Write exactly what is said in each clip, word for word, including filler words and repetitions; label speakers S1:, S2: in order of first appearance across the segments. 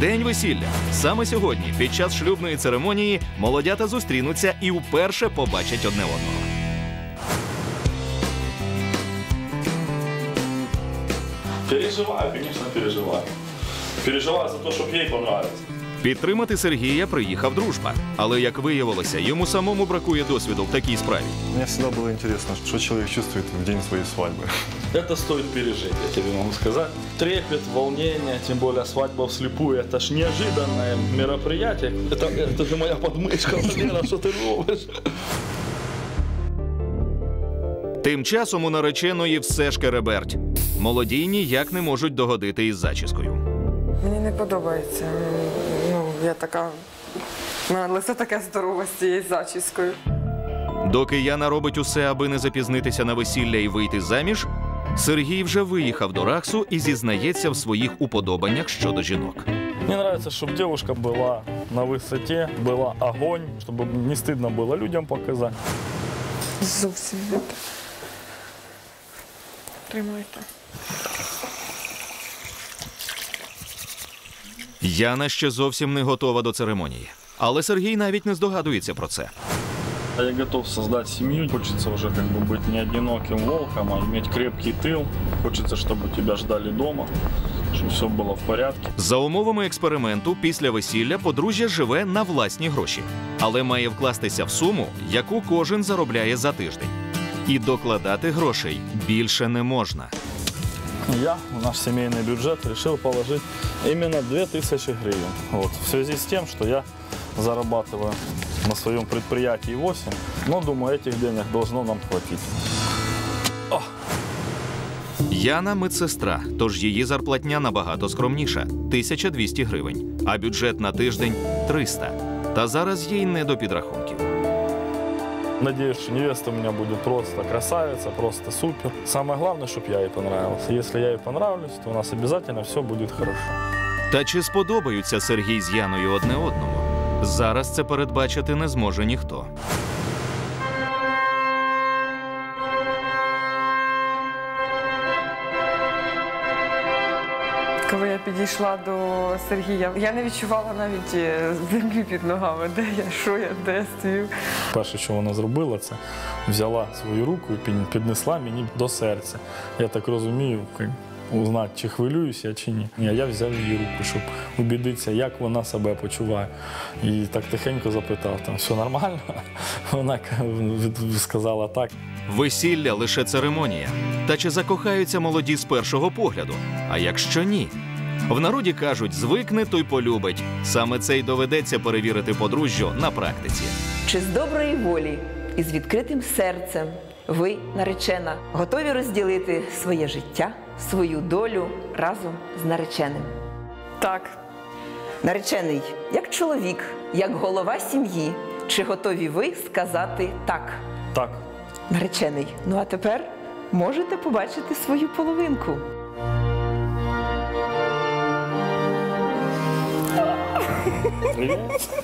S1: День весілля. Саме сьогодні, під час шлюбної церемонії, молодята зустрінуться і вперше побачать одне одного.
S2: Переживаю, конечно, переживаю. Переживаю за те, щоб їй понравилось.
S1: Підтримати Сергія приїхав Дружба. Але, як виявилося, йому самому бракує досвіду в такій справі.
S3: Мне всегда было интересно, что человек чувствует в день своей свадьбы.
S2: Это стоит пережить, я тебе могу сказать. Трепет, волнение, тем более свадьба вслепую, это ж неожиданное мероприятие. Это, это же моя подмышка, Валера, что ты робишь?
S1: Тим часом у нареченої все ж кереберть. Молоді ніяк не можуть догодити із зачіскою.
S4: Мені не подобається. Ну, я така... У мене лице таке здорове з цією зачіскою.
S1: Доки Яна робить усе, аби не запізнитися на весілля і вийти заміж, Сергій вже виїхав до Раксу і зізнається в своїх уподобаннях щодо жінок.
S2: Мне нравится, чтобы девушка была на высоте, была огонь, чтобы не стыдно было людям показать.
S4: Зовсім не так. Тримайте.
S1: Яна ще зовсім не готова до церемонії. Але Сергій навіть не здогадується про це.
S2: Я готов создать семью. Хочется уже как бы быть не одиноким волком, а иметь крепкий тыл. Хочется, чтобы тебя ждали дома, чтобы все было в порядке.
S1: За умовами експерименту, після весілля подружжя живе на власні гроші. Але має вкластися в суму, яку кожен заробляє за тиждень. І докладати грошей більше не можна.
S2: Я в наш семейный бюджет решил положить именно две тысячи гривен. Вот. В связи с тем, что я зарабатываю на своем предприятии восемь, но, думаю, этих денег должно нам хватить. О!
S1: Яна – медсестра, тож її зарплатня набагато скромніша – тисяча двісті гривень, а бюджет на тиждень – триста. Та зараз їй не до підрахунків.
S2: Надеюсь, что невеста у меня будет просто красавица, просто супер. Самое главное, чтобы я ей понравился. Если я ей понравлюсь, то у нас обязательно все будет хорошо.
S1: Та чи сподобаються Сергій з Яною одне одному? Зараз це передбачити не зможе ніхто.
S4: Коли я підійшла до Сергія, я не відчувала навіть землі під ногами, де я, що я, де я стою.
S2: Перше, що вона зробила, це взяла свою руку і піднесла мені до серця. Я так розумію, узнати, чи хвилююсь я, чи ні. Я взяв її руку, щоб убідитися, як вона себе почуває. І так тихенько запитав, там, все нормально? Вона сказала так.
S1: Весілля – лише церемонія. Та чи закохаються молоді з першого погляду? А якщо ні? В народі кажуть, звикне, то й полюбить. Саме це й доведеться перевірити подружжю на практиці.
S5: Чи з доброї волі і з відкритим серцем ви, наречена, готові розділити своє життя, свою долю разом з нареченим?
S4: Так.
S5: Наречений, як чоловік, як голова сім'ї, чи готові ви сказати «так»?
S2: Так.
S5: Наречений, ну а тепер можете побачити свою половинку.
S2: Привіт.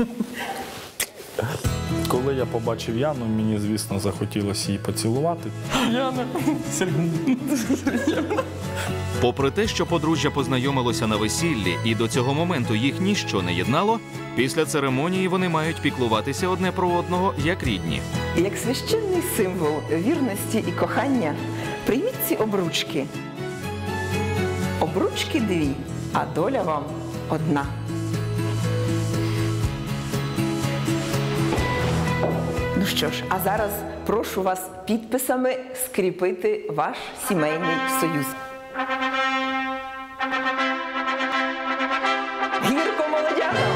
S2: Коли я побачив Яну, мені, звісно, захотілося її поцілувати. Яна, Сергій.
S1: Попри те, що подружжя познайомилося на весіллі і до цього моменту їх ніщо не єднало, після церемонії вони мають піклуватися одне про одного як рідні.
S5: Як священний символ вірності і кохання, прийміть ці обручки. Обручки дві, а доля вам одна. Ну що ж, а зараз прошу вас підписами скріпити ваш сімейний союз. Гірко молодятам!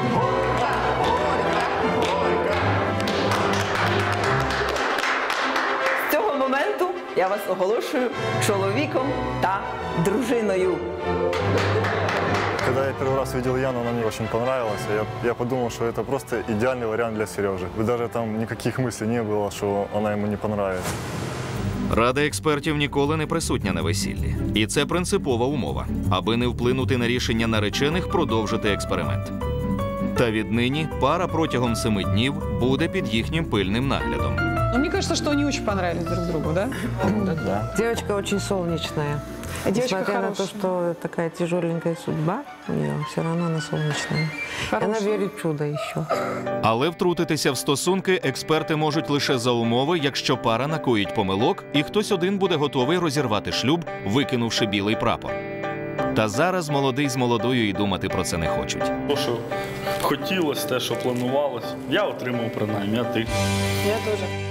S5: З цього моменту я вас оголошую чоловіком та дружиною.
S3: Когда я первый раз видел Яну, она мне очень понравилась. Я, я подумал, что это просто идеальный вариант для Сережи. И даже там никаких мыслей не было, что она ему не понравится.
S1: Рада експертів ніколи не присутня на весіллі. І це принципова умова, аби не вплинути на рішення наречених продовжити експеримент. Та віднині пара протягом семи днів буде під їхнім пильним наглядом.
S6: Но мне кажется, что они очень понравились друг другу, да?
S2: Да, да.
S7: Девочка очень солнечная.
S6: А девочка
S7: Несмотря на то,
S6: хорошая.
S7: что такая тяжеленькая судьба у нее, все равно она солнечная. И она
S6: Хорошая.
S7: верит в чудо еще.
S1: Але втрутитися в стосунки експерти можуть лише за умови, якщо пара накоїть помилок і хтось один буде готовий розірвати шлюб, викинувши білий прапор. Та зараз молодий з молодою і думати про це не хочуть.
S2: То, що хотілося, те, що планувалось, я отримав принаймні, а ти?
S6: Я тоже.